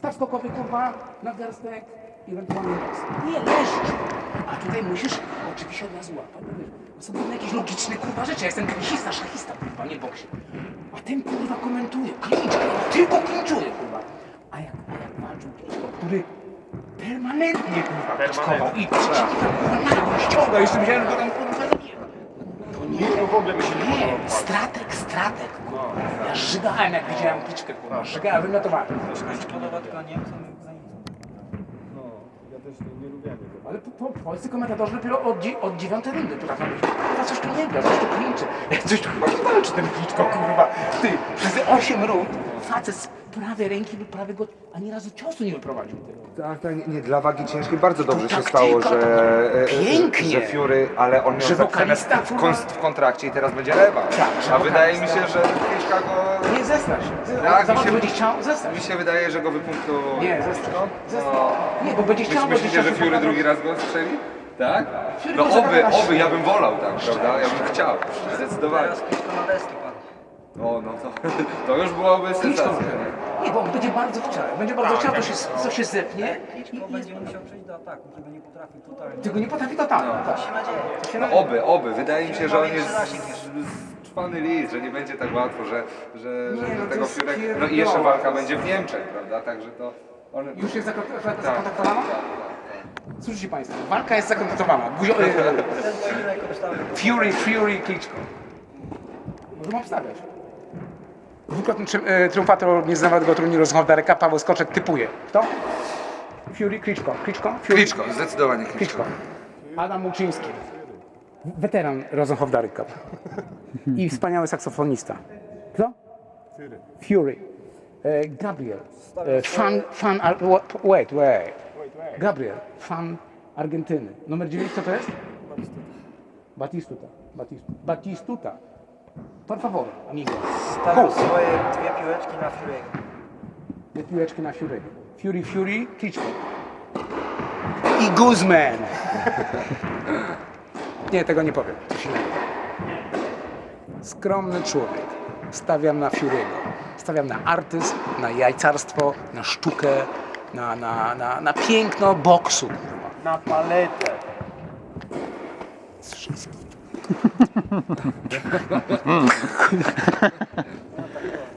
Staw skokowy, kurwa, na garstek i ewentualnie raz. Nie, leżysz. A tutaj musisz oczywiście od razu łapać. Są pewne jakieś logiczne, kurwa, rzeczy. Ja jestem tenisista, szachista, kurwa, nie boksie. A ten, kurwa, komentuje, klincz, tylko klinczuje, kurwa. A jak walczył Kliczko, który permanentnie, kurwa, kliczkował i przeciwnika, kurwa, nagle ściąga. Jeszcze myślałem, że go tam, kurwa, zabije. Nie, w ogóle by się nie Nie, podobał. stratek, kurwa. Ja żygałem, jak widziałem Kliczkę, kurwa, żygałem, wymiotowałem. Mi się podoba tylko Niemcom i za Niemcom. No, ja też nie lubiłem tego. Ale polscy komentatorzy dopiero od 9 rundy potrafią być. Kurwa, coś tu nie gra, coś tu klinczy. Coś tu chyba nie walczy ten Kliczko, kurwa. Ty, przez 8 rund facet z prawej ręki do prawego, ani razu ciosu nie wyprowadził tego. Tak, nie, dla wagi ciężkiej bardzo dobrze się taktyka, stało, to pięknie. że Fury, ale on miał Że zapisane wokalista, w kontrakcie i teraz będzie rewanż. Tak, że A wydaje mi wokalista. się, że Kliczka go... Nie, zestrasz się. Tak, Zobacz, mi się- będzie chciał, zestrasz Mi się. się wydaje, że go wypunktuje. Nie, zestrasz. No. Nie, bo będzie chciał, będzie Myślicie, chciał że się Fury pokazać. drugi raz go strzeli? Tak? Fury No może pokazać. oby, ja bym wolał tak, prawda? Ja bym chciał, zdecydowanie. Teraz Kliczko na deski padł. O, no to już byłoby Kliczko. sensacja. Nie, bo on będzie bardzo chciał. Będzie bardzo chciał, to się zepnie. Kliczko będzie musiał przejść do ataku, tego nie potrafi totalnie. Tego nie potrafi totalnie. Tak. Mam nadzieję. No oby. Wydaje mi się, że on jest trwany list, że nie będzie tak łatwo, że Nie, no to tego jest Furek... No pierdolone. i jeszcze walka będzie w Niemczech, prawda? Także to... On... Już jest Tak. zakontraktowana? Słyszycie Państwo, walka jest zakontraktowana. Ten pojedynek kosztował. Fury, Kliczko. Możemy obstawiać. Dwukrotny triumfator nieznanego turnieju z Hondareka, Paweł Skoczek typuje. Kto? Fury, Kliczko. Fury, Kliczko, zdecydowanie Kliczko. Kliczko. Adam Muczyński. Weteran Rosenhof-Darek Cup. I wspaniały saksofonista. Kto? Fury. Gabriel. Wait. Gabriel. Fan Argentyny. Numer 9 kto to jest? Batistuta. Por favor, amigo. Stawił swoje dwie piłeczki na Fury'ego. Dwie piłeczki na Fury. Fury, Kliczko. I Guzman. Nie, tego nie powiem. Coś innego. Skromny człowiek. Stawiam na Fury'ego. Stawiam na artyzm, na jajcarstwo, na sztukę, na piękno boksu. Na paletę.